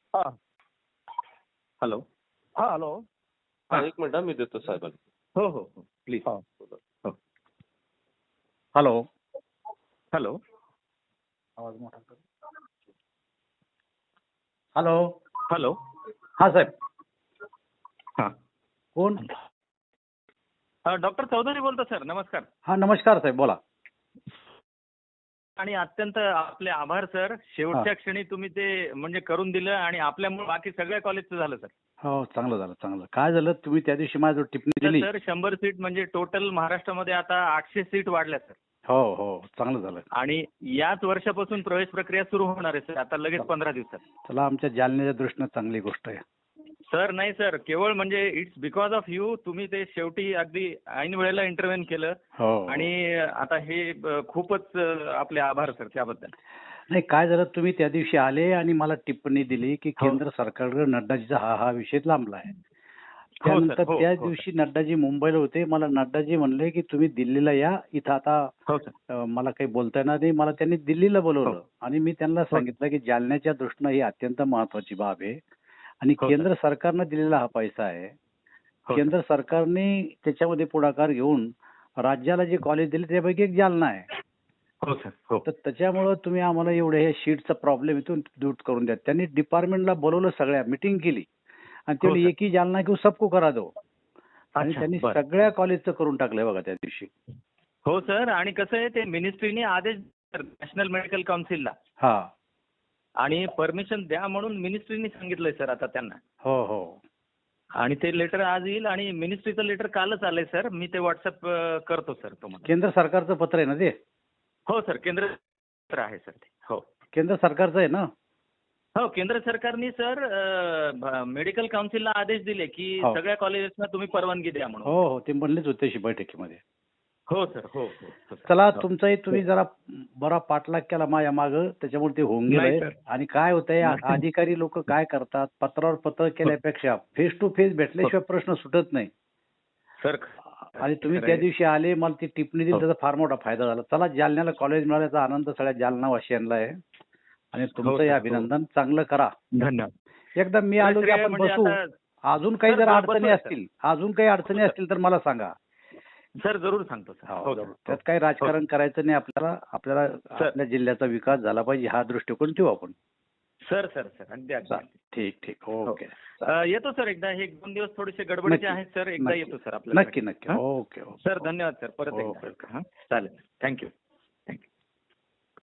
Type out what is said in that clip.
हा हॅलो. हा हॅलो. हा, एक मिनिट मी देतो साहेबांना. हो हो हो प्लीज. हा. हो. हॅलो. हॅलो. आवाज मोठा कर. हॅलो. हॅलो. हा साहेब. हा कोण? डॉक्टर चौधरी बोलतो सर. नमस्कार. हा नमस्कार साहेब, बोला. आणि अत्यंत आपले आभार सर. शेवटच्या क्षणी तुम्ही ते म्हणजे करून दिलं आणि आपल्यामुळे बाकी सगळ्या कॉलेजचं झालं सर. हो, चांगलं झालं चांगलं. काय झालं, तुम्ही त्या दिवशी माझ्याजवळ टिप्पणी दिली. सर 100 सीट म्हणजे टोटल महाराष्ट्रामध्ये आता 800 सीट वाढल्या सर. हो हो, चांगलं झालं. आणि याच वर्षापासून प्रवेश प्रक्रिया सुरू होणार आहे सर. आता लगेच 15 दिवसात. चला, आमच्या जालन्याच्या दृष्टीनं चांगली गोष्ट आहे. सर नाही सर, केवळ म्हणजे इट्स बिकॉज ऑफ यू. तुम्ही ते शेवटी अगदी ऐन वेळेला इंटरव्हेन केलं. हो. आणि आता हे खूपच आपले आभार सर त्याबद्दल. नाही, काय झालं, तुम्ही त्या दिवशी आले आणि मला टिप्पणी दिली की हो. केंद्र सरकारकडे नड्डाजीचा हा विषय लांबला आहे. हो सर. त्यानंतर हो त्या हो दिवशी नड्डाजी मुंबईला होते. मला नड्डाजी म्हणले की तुम्ही दिल्लीला या, इथं आता हो सर. मला काही बोलता येणार नाही. मला त्यांनी दिल्लीला बोलवलं हो. आणि मी त्यांना सांगितलं की जालन्याच्या दृष्टीनं ही अत्यंत महत्वाची बाब आहे आणि हो केंद्र सर. सरकारनं दिलेला हा पैसा आहे. हो केंद्र सरकारने त्याच्यामध्ये पुढाकार घेऊन राज्याला जे कॉलेज दिले त्यापैकी एक जालना आहे. हो सर. हो. तर त्याच्यामुळं तुम्ही आम्हाला एवढे हे शीटचा प्रॉब्लेम इथून दूर करून द्या. त्यांनी डिपार्टमेंटला बोलवलं, सगळ्या मिटिंग केली आणि हो तेवढी सर. एक ही जालना की सबको करा दो. आणि अच्छा, त्यांनी बरं. सगळ्या कॉलेजचं करून टाकलंय बघा त्या दिवशी. हो सर. आणि कसं आहे ते मिनिस्ट्रीने आदेश नॅशनल मेडिकल काउन्सिलला हा. आणि परमिशन द्या म्हणून मिनिस्ट्रीने सांगितलंय सर आता त्यांना. हो हो. आणि ते लेटर आज येईल आणि मिनिस्ट्रीचं लेटर कालच आलंय सर. मी ते व्हॉट्सअप करतो सर तुम्हाला. केंद्र सरकारचं पत्र आहे ना ते? हो सर. केंद्र सरकार आहे सर ते. हो. केंद्र सरकारचं आहे ना? हो, केंद्र सरकारने सर मेडिकल काउन्सिलला आदेश दिले की हो. सगळ्या कॉलेजेसना तुम्ही परवानगी द्या म्हणून. हो हो, ते म्हणलेच होते अशी बैठकीमध्ये. हो सर. हो हो हो सर. चला, हो. तुमचाही तुम्ही जरा बरा पाठलाग केला माझ्या मागं, त्याच्यामुळे ते होऊन नाही गेलंय. सर. आणि काय होतंय, अधिकारी लोक काय करतात, पत्रावर पत्र केल्यापेक्षा फेस टू फेस भेटल्याशिवाय प्रश्न सुटत नाही. सर आणि तुम्ही त्या दिवशी आले, मला ती टिप्पणी दिली, त्याचा फार मोठा फायदा झाला. चला, जालन्याला कॉलेज मिळाल्याचा आनंद सगळ्या जालनावासियांना आहे आणि तुमचंही अभिनंदन. चांगलं करा. धन्यवाद. एकदा मी आलो की आपण म्हणजे बसू. आता अजून काही सर, जर बसू अडचणी सर. असतील, अजून काही अडचणी असतील तर मला सांगा. सर जरूर सांगतो सर. हो सर. त्यात काही राजकारण करायचं नाही आपल्याला. आपल्याला आपल्या जिल्ह्याचा विकास झाला पाहिजे हा दृष्टिकोन ठेवू आपण. सर सर सर अगदी अगदी. ठीक ठीक. ओके. येतो सर एकदा. हे 1-2 दिवस थोडेसे गडबडीचे आहेत सर. एकदा येतो सर आपल्याला. नक्की नक्की. Okay okay. सर धन्यवाद सर. परत एकदा. ओके. हां चालेल. थँक्यू.